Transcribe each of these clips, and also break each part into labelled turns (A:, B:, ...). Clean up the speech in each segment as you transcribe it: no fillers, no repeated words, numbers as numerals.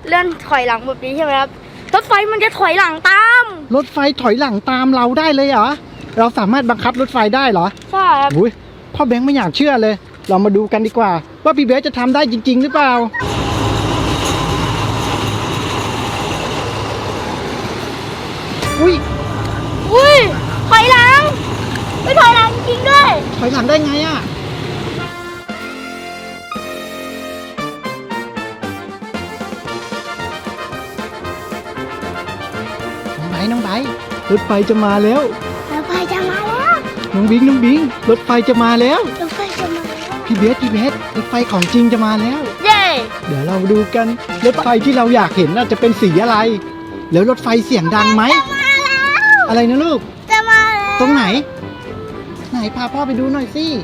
A: เลื่อนถอยหลังแบบนี้ใช่ไหมครับรถไฟมันจะถอยหลังตาม
B: รถไฟถอยหลังตามเราได้เลยเหรอเราสามารถบังคับรถไฟได้เหรอ
A: ใช่ครับ
B: อุ้ยพ่อแบงค์ไม่อยากเชื่อเลยเรามาดูกันดีกว่าว่าพี่เบสจะทำได้จริงๆหรือเปล่าอุ้ย
A: ถอยหลังไม่ถอยหลังจริงด้วย
B: ถอยหลังได้ไงอะน้องไบร์ทรถไฟจะมาแล้ว
A: รถไฟจะมาแล้ว
B: น้องบิงรถไฟจะมาแล้ว
A: รถไฟจะมาแล้ว
B: พี่เบสรถไฟของจริงจะมาแล้ว
A: เย้
B: เดี๋ยวเราดูกันรถไฟที่เราอยากเห็นน่าจะเป็นสีอะไรแล้วรถไฟเสียงดังไหมอะไรนะลูก
A: จะมาแล้ว
B: ตรงไหนพาพ่อไปดูหน่อยสิ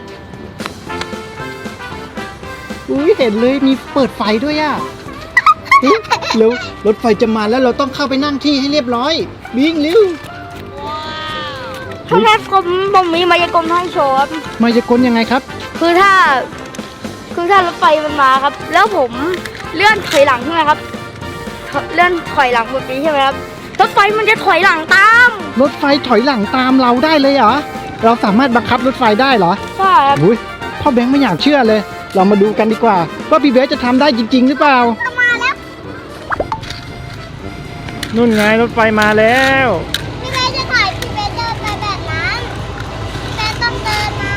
B: อุ้ยเห็นเลยมีเปิดไฟด้วยอ่ะแล้วรถไฟจะมาแล้วเราต้องเข้าไปนั่งที่ให้เรียบร้อยวิ่งเร็ว
A: ถ้าแม่ผมมีมายากลให้โชว์ครับ
B: มายากลยังไงครับ
A: คือถ้ารถไฟมันมาครับแล้วผมเลื่อนถอยหลังใช่ไหมครับเลื่อนถอยหลังแบบนี้ใช่ไหมครับรถไฟมันจะถอยหลังตาม
B: รถไฟถอยหลังตามเราได้เลยเหรอเราสามารถบังคับรถไฟได้เหรอ
A: ใช่ครับ
B: อุ้ยพ่อแบงค์ไม่อยากเชื่อเลยเรามาดูกันดีกว่าว่าพี่เบสจะทำได้จริงๆหรือเปล่า
A: มาแล้ว
B: นู่นไงรถไฟมาแล้ว
A: พี่เบสจะถอยพี่เบสเดินไปแบบนั้นพี่เบสต้องเดินนะ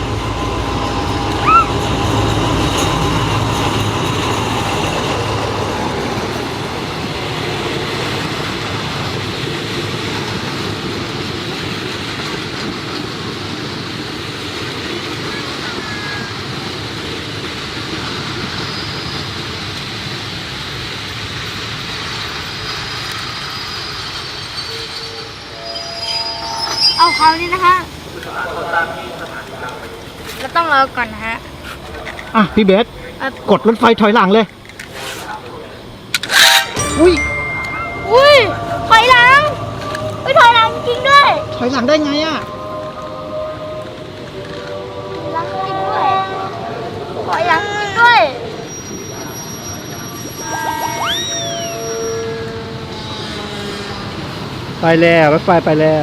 A: เอาคราวนี้นะคะเราต้องรอก่อนนะฮะ
B: พี่เบสกดรถไฟถอยหลังเลยอุ้ย
A: ถอยหลังไม่ถอยหลังจริงด้วย
B: ถอยหลังได้ไงอ่ะ
A: ถอยหลังจริงด้วยถอยหลังจริงด้วย
B: ไปแล้วรถไฟไปแล้ว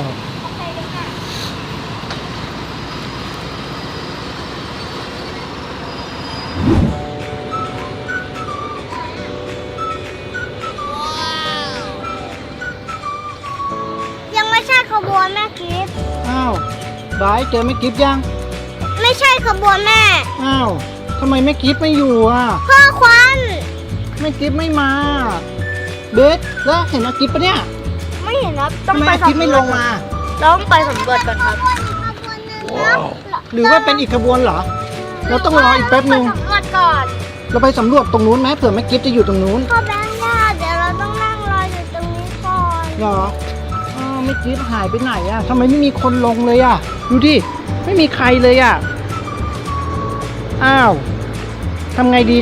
A: ขบวนแม่กิฟต์
B: อ้าวบายเจอแม่กิฟต์ยัง
A: ไม่ใช่ขบวนแม่
B: อ้าวทำไมแม่กิฟต์ไม่อยู่อ่ะ
A: พ่อควัน
B: แม่กิฟต์ไม่มาเบสแล้วเห็นแม่กิฟต์ปะเนี่ย
A: ไม่เห็นครับต้องไป
B: สำรวจกิฟต์ไม่ลงมา
A: ต้องไปสำรวจก่อนครับ
B: หรือว่าเป็นอีกขบวนเหรอเราต้องรออีกแป๊บนึง
A: สำรวจก่อน
B: เราไปสำรวจตรงนู้นไหมเผื่อแม่กิฟต์จะอยู่ตรงนู้น
A: พ่อแบงค์ย่าเดี๋ยวเราต้องนั่งรออยู่ตรงนี้ก่อน
B: เหรอไม่กิฟต์หายไปไหนอ่ะทำไมไม่มีคนลงเลยอ่ะดูดิไม่มีใครเลยอ่ะอ้าวทำไงดี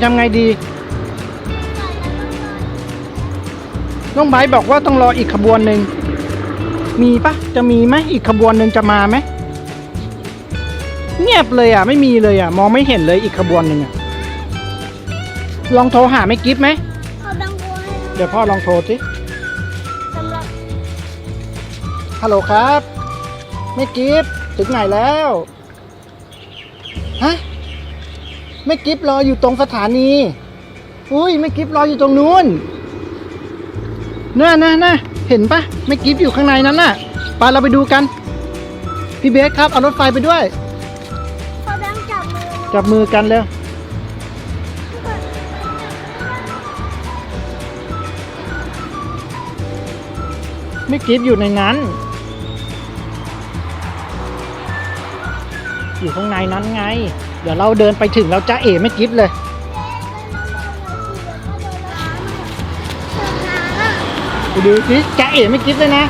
B: น้องไบร์ทบอกว่าต้องรออีกขบวนหนึ่งมีปะจะมีไหมอีกขบวนหนึ่งจะมาไหมเงียบเลยอ่ะไม่มีเลยอ่ะมองไม่เห็นเลยอีกขบวนหนึ่งอ่ะลองโทรหาแม่กิฟต์ไหมเดี๋ยวพ่อลองโทรสิฮัลโหลครับแม่กิฟต์ถึงไหนแล้วฮะแม่กิฟต์รออยู่ตรงสถานีอุ้ยแม่กิฟต์รออยู่ตรงนู้นน่ะเห็นปะแม่กิฟต์อยู่ข้างในนั้นน่ะไปเราไปดูกันพี่เบสครับเอารถไฟไปด้วย
A: พ่อแบงค์
B: จับมือกันเร็วแม่กิฟต์อยู่ในนั้นอยู่ข้างในนั้นไงเดี๋ยวเราเดินไปถึงเราจะเอ๋ไม่กิฟต์เลยไปดูสิจะเอ๋ไม่กิฟต์เลยนะ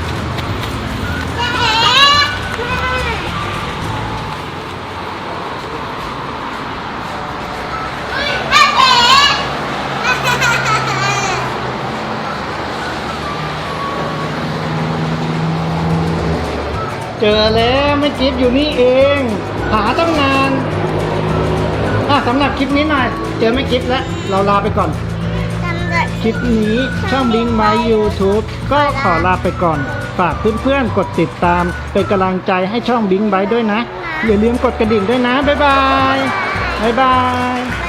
B: เจอแล้วไม่กิฟต์อยู่นี่เองหาตั้งนานสำหรับคลิปนี้หน่อยเจอไม่กิฟต์แล้วเราลาไปก่อน
A: สำหรับค
B: ลิปนี้ช่องบิงไมค์ YouTube ก็ขอลาไปก่อน ฝากเพื่อนๆกดติดตามเป็นกำลังใจให้ช่องบิงไบด้วยนะ อย่าลืมกดกระดิ่งด้วยนะ บ๊ายบาย บ๊ายบาย